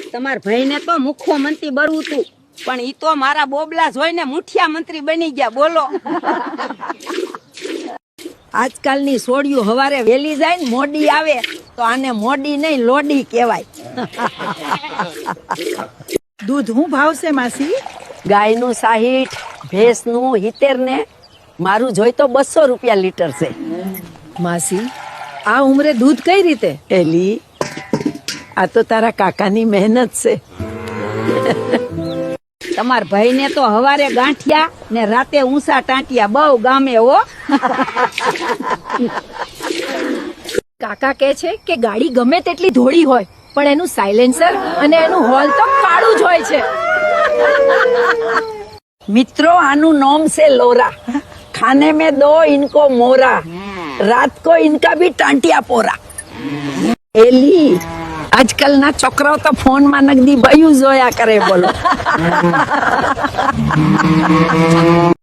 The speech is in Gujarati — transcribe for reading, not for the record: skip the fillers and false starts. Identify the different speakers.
Speaker 1: તમાર ભાઈને તો મુખ્યમંત્રી બનવું તું, પણ ઈ તો મારા બોબલા જોઈને મુઠિયા મંત્રી બની ગયા. બોલો. આજકાલની સોડિયું હવારે વેલી જાય ને મોડી આવે તો આને મોડી નહીં લોડી કહેવાય.
Speaker 2: દૂધ હું ભાવશે માસી?
Speaker 1: ગાયનું 60, ભેંસનું 70 ને મારું જોઈ તો 200 રૂપિયા લીટર છે.
Speaker 2: માસી આ ઉંમરે દૂધ કઈ રીતે?
Speaker 1: એલી આ તો તારા કાકાની મહેનત છે. તમાર ભાઈને તો હવારે ગાંઠિયા ને રાતે ઊંસા ટાંટિયા બહુ ગામે હો.
Speaker 2: કાકા કહે છે કે ગાડી ગમે તેટલી ધોળી હોય પણ એનું સાયલેન્સર અને એનું હોલ તો કાળું જ હોય છે.
Speaker 1: મિત્રો આનું નામ છે લોરા. ખાને में 2 इनको मोरा, रात को इनका भी टांटिया पोरा. એલી આજકાલના છોકરાઓ તો ફોનમાં નગદી બયું જોયા કરે. બોલો.